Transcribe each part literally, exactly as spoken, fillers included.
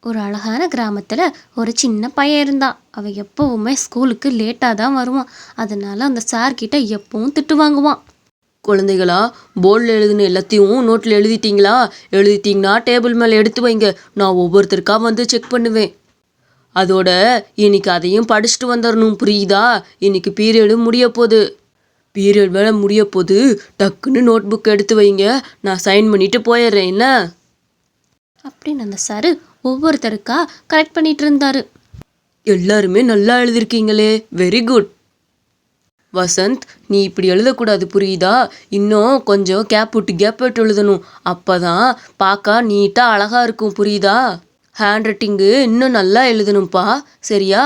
ஒரு அழகான கிராமத்தில் ஒரு சின்ன பையன் இருந்தான். அவன் எப்போவுமே ஸ்கூலுக்கு லேட்டாக தான் வருவான். அதனால அந்த சார்கிட்ட எப்பவும் திட்டு வாங்குவான். குழந்தைகளா, போர்டில் எழுதுன எல்லாத்தையும் நோட்டில் எழுதிட்டீங்களா? எழுதிட்டீங்கன்னா டேபிள் மேலே எடுத்து வைங்க. நான் ஒவ்வொருத்தருக்கா வந்து செக் பண்ணுவேன். அதோட இன்னைக்கு அதையும் படிச்சுட்டு வந்துடணும், புரியுதா? இன்னைக்கு பீரியடு முடிய போகுது. பீரியட் வேலை முடிய போகுது. டக்குன்னு நோட் புக் எடுத்து வைங்க. நான் சைன் பண்ணிட்டு போயிடுறேன், என்ன? அப்படின்னு அந்த சாரு ஒவ்வொருத்தருக்கா கரெக்ட் பண்ணிட்டு இருந்தாரு. எல்லாருமே நல்லா எழுதிருக்கீங்களே, வெரி குட். வசந்த், நீ இப்படி எழுதக்கூடாது, புரியுதா? இன்னும் கொஞ்சம் கேப் விட்டு கேப் விட்டு எழுதணும். அப்போதான் பார்க்க நீட்டாக அழகாக இருக்கும், புரியுதா? ஹேண்ட் ரைட்டிங்கு இன்னும் நல்லா எழுதணும்ப்பா, சரியா?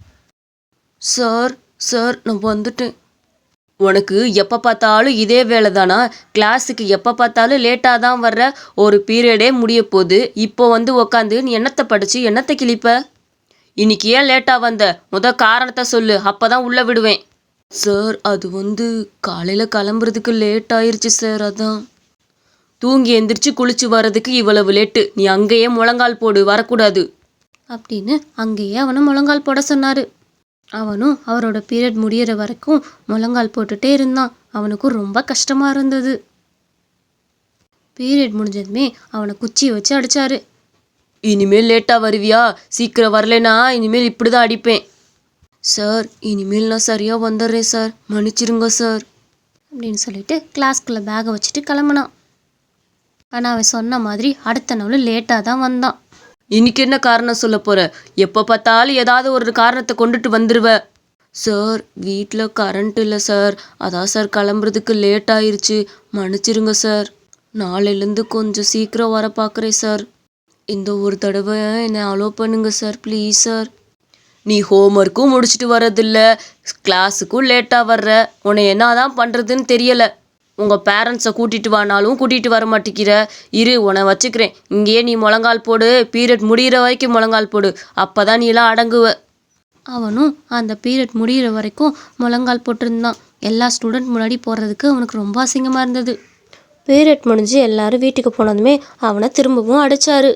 சார் சார் நான் வந்துட்டேன். உனக்கு எப்போ பார்த்தாலும் இதே வேலை தானா? கிளாஸுக்கு எப்போ பார்த்தாலும் லேட்டாக தான் வர்ற. ஒரு பீரியடே முடிய போகுது. இப்போ வந்து உக்காந்து நீ என்னத்தை படித்து என்னத்தை கிழிப்ப? இன்னைக்கு ஏன் லேட்டாக வந்த? முத காரணத்தை சொல்லு, அப்போ தான் உள்ளே விடுவேன். சார், அது வந்து காலையில் கிளம்புறதுக்கு லேட் ஆயிடுச்சு சார், அதான். தூங்கி எந்திரிச்சு குளிச்சு வர்றதுக்கு இவ்வளவு லேட்டு. நீ அங்கேயே முழங்கால் போடு, வரக்கூடாது அப்படின்னு அங்கேயே அவனை முழங்கால் போட சொன்னார். அவனும் அவரோட பீரியட் முடியிற வரைக்கும் முழங்கால் போட்டுட்டே இருந்தான். அவனுக்கும் ரொம்ப கஷ்டமாக இருந்தது. பீரியட் முடிஞ்சதுமே அவனை குச்சியை வச்சு அடித்தாரு. இனிமேல் லேட்டாக வருவியா? சீக்கிரம் வரலைனா இனிமேல் இப்படி தான் அடிப்பேன். சார், இனிமேல் நான் சரியாக வந்துடுறேன் சார், மன்னிச்சிருங்க சார் அப்படின்னு சொல்லிட்டு கிளாஸ்குள்ளே பேகை வச்சுட்டு கிளம்புனான். ஆனால் அவன் சொன்ன மாதிரி அடுத்த நாள் லேட்டாக தான் வந்தான். இன்னைக்கு என்ன காரணம் சொல்ல போற? எப்போ பார்த்தாலும் ஏதாவது ஒரு காரணத்தை கொண்டுட்டு வந்துடுவ. சார், வீட்டில் கரண்ட் இல்லை சார், அதான் சார் கிளம்புறதுக்கு லேட் ஆயிருச்சு, மன்னிச்சிருங்க சார். நாளையிலேருந்து கொஞ்சம் சீக்கிரம் வர பார்க்குறேன் சார். இந்த ஒரு தடவை என்னை அலோவ் பண்ணுங்க சார், ப்ளீஸ் சார். நீ ஹோம்ஒர்க்கும் முடிச்சுட்டு வர்றதில்ல, கிளாஸுக்கும் லேட்டாக வர்ற. உன்னை என்ன தான் பண்ணுறதுன்னு தெரியலை. உங்கள் பேரண்ட்ஸை கூட்டிகிட்டு வானாலும் கூட்டிகிட்டு வர மாட்டேங்கிற. இரு, உன்னை வச்சுக்கிறேன். இங்கேயே நீ முழங்கால் போடு, பீரியட் முடிகிற வரைக்கும் முழங்கால் போடு, அப்போ தான் நீ எல்லாம் அடங்குவ. அவனும் அந்த பீரியட் முடிகிற வரைக்கும் முழங்கால் போட்டிருந்தான். எல்லா ஸ்டூடெண்ட் முன்னாடி போடுறதுக்கு அவனுக்கு ரொம்ப அசிங்கமாக இருந்தது. பீரியட் முடிஞ்சு எல்லாரும் வீட்டுக்கு போனதுமே அவனை திரும்பவும் அடித்தாரு.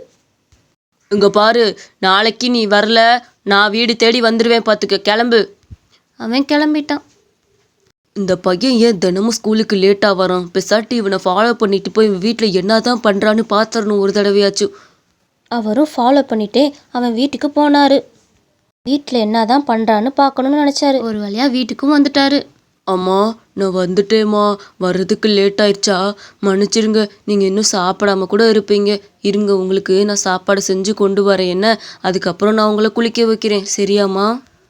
இங்கே பாரு, நாளைக்கு நீ வரல, நான் வீடு தேடி வந்துடுவேன், பார்த்துக்க, கிளம்பு. அவன் கிளம்பிட்டான். இந்த பையன் ஏன் தினமும் ஸ்கூலுக்கு லேட்டாக வரான்? பெசாட்டி இவனை ஃபாலோ பண்ணிட்டு போய் வீட்டில் என்ன தான் பண்ணுறான்னு பார்த்துடணும் ஒரு தடவையாச்சும். அவரும் ஃபாலோ பண்ணிட்டே அவன் வீட்டுக்கு போனார். வீட்டில் என்ன தான் பண்ணுறான்னு பார்க்கணுன்னு நினச்சாரு. ஒரு வழியாக வீட்டுக்கும் வந்துட்டாரு. அம்மா, நான் வந்துட்டேம்மா. வர்றதுக்கு லேட் ஆயிடுச்சா? மன்னிச்சிருங்க. நீங்கள் இன்னும் சாப்பிடாம கூட இருப்பீங்க. இருங்க, உங்களுக்கு நான் சாப்பாடு செஞ்சு கொண்டு வரேன், என்ன? அதுக்கப்புறம் நான் உங்களை குளிக்க வைக்கிறேன், சரியாம்மா?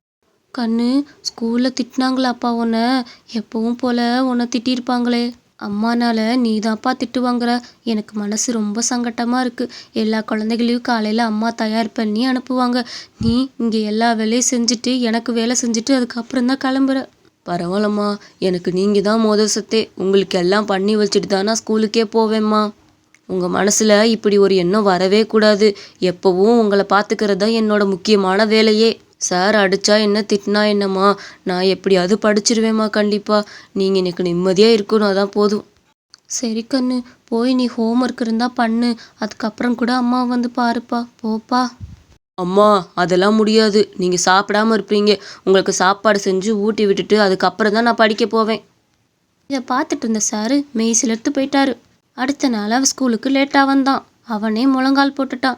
கண்ணு, ஸ்கூலில் திட்டினாங்களாப்பா உன்னை? எப்பவும் போல் உன்னை திட்டிருப்பாங்களே. அம்மானால நீ தான்ப்பா திட்டு வாங்குற. எனக்கு மனசு ரொம்ப சங்கட்டமாக இருக்குது. எல்லா குழந்தைகளையும் காலையில் அம்மா தயார் பண்ணி அனுப்புவாங்க. நீ இங்கே எல்லா வேலையும் செஞ்சுட்டு எனக்கு வேலை செஞ்சுட்டு அதுக்கப்புறம் தான் கிளம்புற. பரவாயில்லம்மா, எனக்கு நீங்கள் தான் மோதல் சத்தே. உங்களுக்கு எல்லாம் பண்ணி வச்சுட்டு தான் நான் ஸ்கூலுக்கே போவேம்மா. உங்கள் மனசில் இப்படி ஒரு எண்ணம் வரவே கூடாது. எப்போவும் உங்களை பார்த்துக்கிறது தான் என்னோட முக்கியமான வேலையே. சார் அடித்தா என்ன, திட்டினா என்னம்மா, நான் எப்படியாவது படிச்சிருவேம்மா கண்டிப்பாக. நீங்கள் எனக்கு நிம்மதியாக இருக்கணும், அதான் போதும். சரி கண்ணு, போய் நீ ஹோம்ஒர்க் இருந்தால் பண்ணு. அதுக்கப்புறம் கூட அம்மா வந்து பாருப்பா, போப்பா. அம்மா, அதெல்லாம் முடியாது. நீங்கள் சாப்பிடாம இருப்பீங்க. உங்களுக்கு சாப்பாடு செஞ்சு ஊட்டி விட்டுட்டு அதுக்கப்புறம் தான் நான் படிக்க போவேன். இதை பார்த்துட்டு இருந்த சாரு மெய் சிலிர்த்து போயிட்டாரு. அடுத்த நாள் அவன் ஸ்கூலுக்கு லேட்டாக வந்தான். அவனே முழங்கால் போட்டுட்டான்.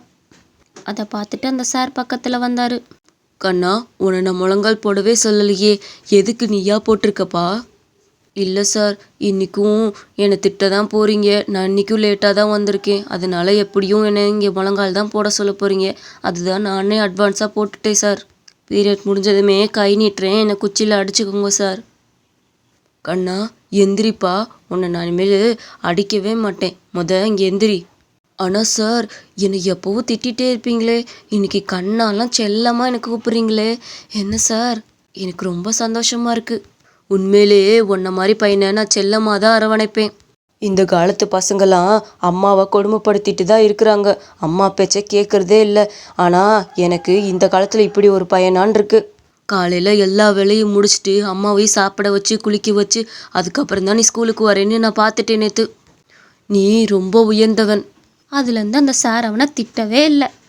அதை பார்த்துட்டு அந்த சார் பக்கத்தில் வந்தார். கண்ணா, உன்னை நான் முழங்கால் போடவே சொல்லலையே, எதுக்கு நீயா போட்டிருக்கப்பா? இல்லை சார், இன்றைக்கும் என்னை திட்ட தான் போகிறீங்க. நான் இன்றைக்கும் லேட்டாக தான் வந்திருக்கேன். அதனால் எப்படியும் என்னை இங்கே முழங்கால் தான் போட சொல்ல போகிறீங்க. அதுதான் நானே அட்வான்ஸாக போட்டுட்டேன் சார். பீரியட் முடிஞ்சதுமே கை நீட்டுறேன், என்னை குச்சியில் அடிச்சுக்கோங்க சார். கண்ணா, எந்திரிப்பா. உன்னை நான் இனிமேல் அடிக்கவே மாட்டேன். முத இங்கே எந்திரி. ஆனால் சார், என்னை எப்போவும் திட்டிகிட்டே இருப்பீங்களே, இன்னைக்கு கண்ணாலாம் செல்லமாக எனக்கு கூப்பிட்றீங்களே, என்ன சார்? எனக்கு ரொம்ப சந்தோஷமாக இருக்குது. உண்மையிலேயே உன்ன மாதிரி பையனை நான் செல்லமாக தான் அரவணைப்பேன். இந்த காலத்து பசங்களாம் அம்மாவை கொடுமைப்படுத்திட்டு தான் இருக்கிறாங்க. அம்மா பேச்சை கேட்குறதே இல்லை. ஆனால் எனக்கு இந்த காலத்தில் இப்படி ஒரு பையனான் இருக்கு. காலையில் எல்லா வேலையும் முடிச்சுட்டு அம்மாவையும் சாப்பிட வச்சு குளிக்க வச்சு அதுக்கப்புறம் தான் நீ ஸ்கூலுக்கு வரேன்னு நான் பார்த்துட்டேன் நேற்று. நீ ரொம்ப உயர்ந்தவன். அதுலேருந்து அந்த சார் அவனை திட்டவே இல்லை.